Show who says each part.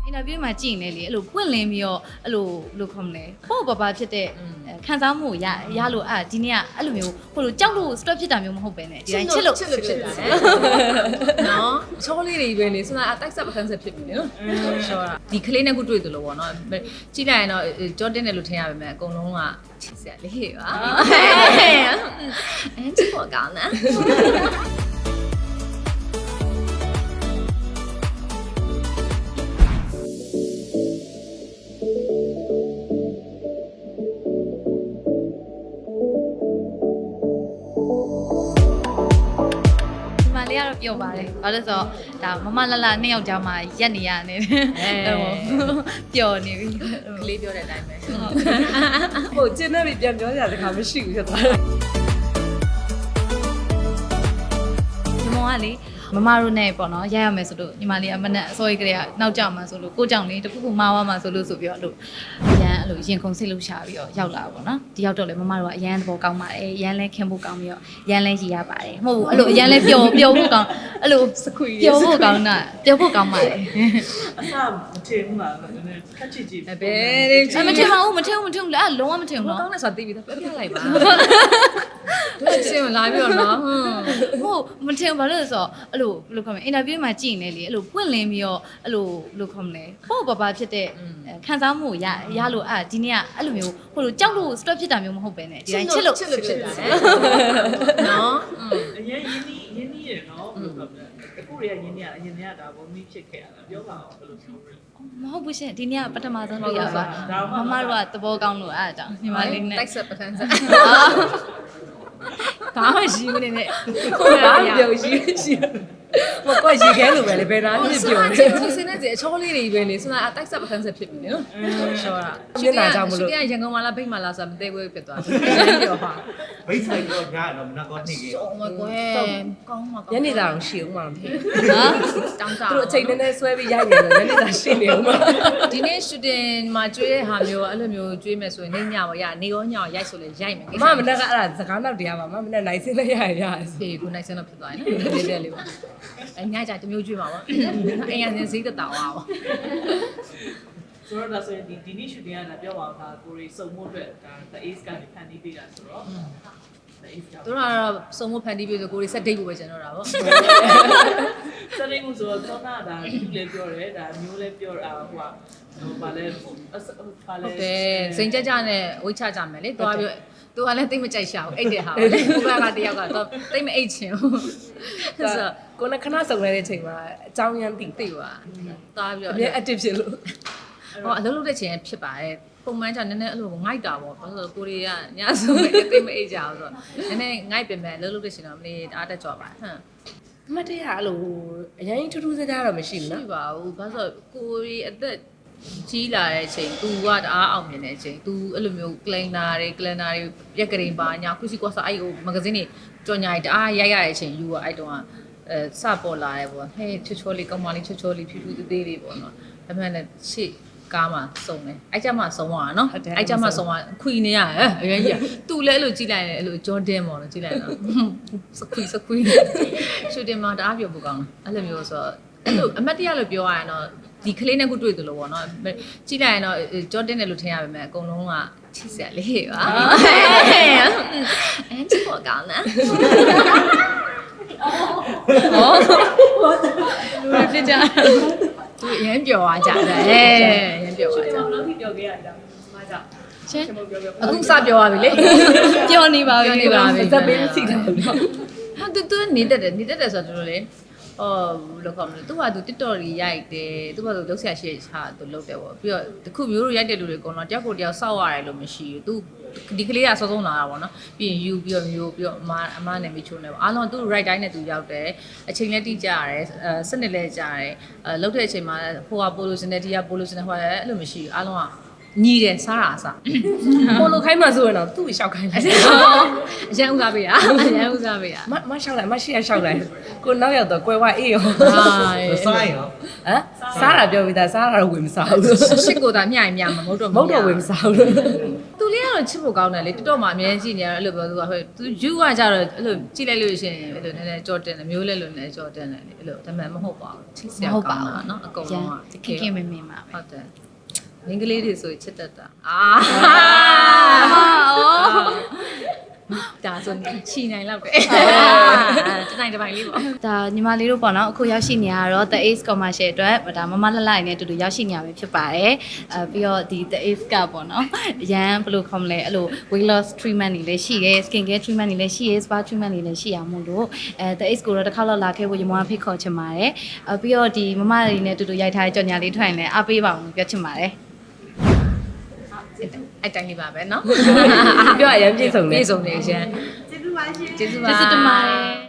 Speaker 1: အင်တာဗျူးမှာကြည့်နေလေအဲ့လိုပွင့်လင်းပြီးတော့အဲ့လိုဘယ်လိုခေါ်မလဲပေါ့ပပဖြစ်တဲ့ခံစားမှုကိုရလို့ဒီနေ့ကအဲ့လိုမျိုးဟိုလိုကြောက်လို့ stress ဖြစ်တာမျိုးမဟုတ်ပဲねဒီတိုင်းချစ်လို့
Speaker 2: ဖြစ်တာနော်ချောလေးတွေပဲလေဆိုတာအတိုက်ဆက်ပခန်းဆက်ဖြစ်ပြီလေနော်ချောတာဒီကလေးနဲ့ခုတွေ့သလိုပေါ့နော်ကြည့်လိုက်ရင်တော့ကြောတင်းတယ်လို့ထင်ရပါမယ်အကုန်လုံးကချစ်စရာလေးပါအဲချစ်ဖို့ကောင်းတယ်
Speaker 1: လေးကတော့ပြောပါတယ်။ဘာလို့ဆိုတော့ဒါမလလနှစ်ယောက်ကြားမှာရက်နေရတယ်။ပျော်နေပြီ။
Speaker 2: ကလေးပြောတဲ့အတိုင်းပဲ
Speaker 3: ။ဟိုကျင်းနေပြီပြန်ပြောကြတဲ့ခါမရှိဘူးဖြစ်သွားတယ်
Speaker 1: ။ညီမကလေမမတို့နဲ့ပေါ့နော်ရရမယ်ဆိုလို့ညီမလေးအမနဲ့အစိုးရကလေးကနောက်ကြမှာဆိုလို့ကိုကြောင့်လေးတခုခုမှားသွားမှာဆိုလို့ဆိုပြီးတော့အရန်အဲ့လိုရင်ခုန်စိတ်လှုပ်ရှားပြီးတော့ရောက်လာပါပေါ့နော်ဒီရောက်တော့လေမမတို့ကအရန်သဘောကောင်းပါတယ်ရန်လဲခင်ဖို့ကောင်းပြီးတော့ရန်လဲရည်ရပါတယ်မဟုတ်ဘူးအဲ့လိုအရန်လဲပျော်ဖို့ကောင်းအဲ့လို
Speaker 3: စခွေ
Speaker 1: ပျော်ဖို့ကောင်းတာပျော်ဖို့ကောင်းပါတယ်
Speaker 3: အဆမထင်ဘူးလားနည်းနည်းခက်ချစ်ကြည့်
Speaker 2: ဘယ်လေးချစ်
Speaker 1: မထင်ပါဘူးမထင်ဘူးလေအဲ့လုံးဝမထင်ဘူး
Speaker 2: နော်
Speaker 1: နော်
Speaker 2: ကောင်းတယ်ဆိုတာသိပြီတော့ပြလိုက်ပါတို့စင်လာပြီးတော့နော်
Speaker 1: ဟုတ်မထင်ဘာလို့လဲဆိုတော့အဲ့လိုဘယ်လိုခေါ်မလဲအင်တာဗျူးမှာကြည့်နေလေအဲ့လိုပွင့်လင်းပြီးတော့အဲ့လိုဘယ်လိုခေါ်မလဲပေါ့ပပဖြစ်တဲ့ခံစားမှုကိုရလို့ဒီနေ့ကအဲ့လိုမျိုးဟိုလိုကြောက်လို့ stress ဖြစ်တာမျိုးမဟုတ်ပဲねဒီတိုင်းချစ်လို့
Speaker 2: ဖြစ်တာနော်
Speaker 3: အရင်ရင်းနှီးရနော်ဘယ်လိုပြောလဲအခုတွေကရင်းနှီးရအရင်ကဒါဘုံမီဖြစ်ခဲ့ရတာပြောပါအောင်ဘယ်လိုပြောလဲ
Speaker 1: မဟုတ်ဘူးရှင်ဒီနေ့ကပထမဆုံးတွေ့ရပါမမတို့ကသဘောကောင်းလို့အဲ့အကြောင်းညီမလေးနဲ့
Speaker 2: တိုက်ဆက်ပထန်းဆက်ဘာမှရှိဘူးနေနဲ့
Speaker 3: ဘာပြောရှိမကွက်ရေခဲလိုပဲလေဘယ်နာဖြစ်ပြောလဲ
Speaker 2: ဒီစင်းနဲ့အချောလေးတွေပဲလေဆိုတာအတိုက်ဆက်ပခန်းဆက်ဖြစ်ပြီလေနော်ချောတာ
Speaker 3: မျက်နှာကြောင့်မလို့
Speaker 2: ရန်ကုန်မှာလားဗိတ်မှာလားဆိုတာမသိဘူးဖြစ်သွားတယ်ပြောပါ
Speaker 4: ဘိတ်ဆိုင်တော့ညာတော့မနကောနေကြီး
Speaker 2: အော်မကွယ်ကောင်းမှာ
Speaker 3: ညနေသားအောင်ရှိအောင်မလား
Speaker 2: တောင်းတာ
Speaker 3: သူအချိန်နဲ့ဆွဲပြီးရိုက်နေတယ်ညနေသားရှိနေအောင်မ
Speaker 2: ဒီနေ့ shooting မှာကျွေးတဲ့ဟာမျိုးအဲ့လိုမျိုးကျွေးမယ်ဆိုရင်နေညပါရနေရောညရောရိုက်ဆိုလဲရိုက်မယ်
Speaker 3: မမနဲ့ကအဲ့ဒါစကားနောက်တရားပါမနဲ့နိုင်စင်းနဲ့ရရ
Speaker 2: အေးခုနိုင်စင်းတော့ဖြစ်သွားရင်နော်လေးလေးပါအညာကြတမျိုးကျွေးမှာပေါ့အိမ်ရစင်းစိတ်တောင်းပါ
Speaker 3: ဆိုတော့ဒါဆိုရင်ဒီနေ့ shooting ကလည်းပြောပါအောင်ဒါကိုရီစုံမှုအတွက်ဒါ The Ace ကနေဖန်တီးပေးတာဆိုတော့
Speaker 2: သူတို့ကတော့စုံမဖန်တီးပြီးဆိုကိုရီဆက်ဒိတ်ဖို့ပဲကျန်တော့တာပေါ့
Speaker 3: ဆက်နေမှုဆိုတော့သောနာဒါဒီလည်းပြောတယ်ဒါမျိုးလည်းပြောတာဟိုဘာလဲ
Speaker 2: ဟုတ်တယ်စိန်ကြကြနဲ့ဝိတ်ချကြမယ်လေသွားပြီးသူကလည်းတိတ်မကြိုက်ရှာဘူးအိတ်တယ်ဟာကိုကတယောက်ကတော့တိတ်မအိတ်ချင်ဘူး
Speaker 3: ဆိုတော့ကိုယ်ကခဏစုံနေတဲ့ချိန်မှာအကြောင်းရမ်းသိ
Speaker 2: ပါသွားပြီးတော့
Speaker 3: အမြဲ active ဖြစ်လို့
Speaker 2: ဟောအလုပ်လုပ်တဲ့ချိန်ဖြစ်ပါတယ်ပုံမှန်ကျနည်းနည်းအဲ့လိုငိုက်တာပေါ့ဘာလို့ကိုရီးယားညဆိုတိတ်မအိတ်ကြအောင်ဆိုတော့နည်းနည်းငိုက်ပြင်မယ်အလုပ်လုပ်တဲ့ချိန်တော့မလေးအားတက်ကြပါဟမ်
Speaker 3: အမတရားအဲ့လိုအရင်ထူးထူးခြားခြားတော့မရှိဘူးနော်
Speaker 2: ရှိပါဘူးဘာလို့ကိုရီအသက်ကြီးလာတဲ့အချိန် तू ကတအားအောင်မြင်တဲ့အချိန် तू အဲ့လိုမျိုး calendar တွေပြက်ကလေးပါညာခုစီကွာစာအဲ့ဟိုမဂဇင်းတွေကြော်ညာတွေတအားရိုက်ရတဲ့အချိန် you ကအဲ့တုန်းကစပေါ်လာတယ်ပေါ့ဟဲ့ချောလေးကောင်းမလေးချောလေးဖြူဖြူသေးသေးလေးပေါ့နော်ဒါပေမဲ့လည်းရှေ့ကားမှာစုံတယ်အဲ့ကြမှာစုံသွားတာနော်အဲ့ကြမှာစုံသွားခွီနေရဟဲ့အရင်ကြီး तू လည်းအဲ့လိုကြည့်လိုက်တယ်အဲ့လိုဂျော်ဒန်ပေါ့နော်ကြည့်လိုက်တော့စခွီရှူတင်မှာတအားပြောဖို့ကောင်းတယ်အဲ့လိုမျိုးဆိုတော့အဲ့လိုအမတ်တရလို့ပြောရရင်တော့ဒီကလေးနဲ့ခုတွေ့သလိုပေါ့နော်ကြည့်လိုက်ရင်တော့ကြောတင်းတယ်လို့ထင်ရပါမယ်အကုန်လုံးကချစ်စရာလေးပါအဲချစ်ဖို့ကောင်းတယ်
Speaker 1: လူတွေဖြစ်ကြ
Speaker 2: သူရမ်းပျော်သွားကြတယ်ရမ်းပျော်သွားကြ
Speaker 3: ဘယ်လိုဖြစ်ပျော်ခဲ့ရတာမကြောက်
Speaker 1: ရှင်
Speaker 2: အခုစပျော်သွားပြီလေ
Speaker 1: ပျော်နေပါပြီ
Speaker 2: ပျော်နေပါပြီ
Speaker 3: စက်ပေးစီတာလို့
Speaker 2: ဟာသူနေတတ်တယ်ဆိုတော့လေလောကမှာသူကသူ TikTok တွေရိုက်တယ်သူကသူလုပ်ဆရာရှိချာသူလုပ်တယ်ပေါ့ပြီးတော့တခုမျိုးတို့ရိုက်တဲ့လူတွေကတော့တယောက်ကိုတယောက်စောက်ရတယ်လို့မရှိဘူးသူဒီကလေးကစောစောလာတာပေါ့နော်ပြီးရင်ယူပြီးတော့မျိုးပြီးတော့အမနဲ့မိချိုးနေပေါ့အားလုံးသူ right တိုင်းနဲ့သူရောက်တယ်အချိန်လည်းတိကျရတယ်စနစ်လည်းကြာတယ်လှုပ်တဲ့အချိန်မှာဟိုကပိုလိုစင်တယ်ဒီကပိုလိုစင်တယ်ဟိုကလည်းအဲ့လိုမရှိဘူးအားလုံးကညီတယ်စားတာအစား
Speaker 5: ပိုလိုခိုင်းမှဆိုရင်တော့သူ့ကိုရှောက်ခိုင်းလိုက်
Speaker 2: အရန်ဥစားပေးရအရန်ဥစားပေးရ
Speaker 5: မရှောက်လိုက်မရှိရရှောက်လိုက်ကိုနောက်ရောက်တော့ကွယ်ဝအေးရော
Speaker 4: စားရင်ရော
Speaker 5: ဟမ်စားတာပြောပြီးသားစားတာတော့ဝင်မစားဘူး
Speaker 2: ရှစ်ကိုသာမျှရင်မျှမှာမဟုတ်တော့
Speaker 5: မဟုတ်တော့ဝင်မစားဘူး
Speaker 2: သူလေးကတော့ချစ်ဖို့ကောင်းတယ်လေတော်တော်မှအမြဲကြည့်နေရတော့အဲ့လိုပြောသူကဟဲ့သူယူကကြတော့အဲ့လိုကြည့်လိုက်လို့ရှိရင်အဲ့လိုနည်းနည်းကြော်တင်တယ်မျိုးလဲလို့နည်းကြော်တင်တယ်လေအဲ့လိုဒါပေမဲ့မဟုတ်ပါဘူးချစ်စရာကောင်းတာเนาะအကုန်လုံးက
Speaker 1: ခင်ခင်မင်မင်ပါပဲ
Speaker 2: ဟုတ်တယ်မင်္ဂလေးတွေဆိုချစ်တတ်တာဒါဆိုချီနိုင်လောက်တယ်တနိုင်တစ်ပိုင်းလေးပေါ့
Speaker 1: ဒါညီမလေးတို့ပေါ့နော်အခုရောက်ရှိနေရတော့ The Ace Commercial အတွက်ဒါမမလှလှနဲ့အတူတူရောက်ရှိနေရပဲဖြစ်ပါတယ်ပြီးတော့ဒီ The Ace ကပေါ့နော်အရန်ဘယ်လိုခေါ်မလဲအဲ့လို weight loss treatment တွေလည်းရှိရဲ skin care treatment တွေလည်းရှိရဲ spa treatment တွေလည်းရှိရမို့လို့The Ace ကိုတော့တစ်ခါတော့လာခဲ့ဖို့ညီမဖိတ်ခေါ်ချင်ပါတယ်ပြီးတော့ဒီမမလေးနဲ့အတူတူရိုက်ထားတဲ့ကြော်ညာလေးထွက်ရင်လည်းအားပေးပါအောင်ပြောချင်ပါတယ်
Speaker 2: အဲ့တိုင်းလေးပါပဲเนาะ
Speaker 5: ပြောရရင်ပြည့်စုံတယ်
Speaker 2: ပြည့်စုံနေရှင်ကျေးဇူးပါရှင်ကျေးဇူးပါ
Speaker 1: ကျေးဇူးတင်ပါတယ်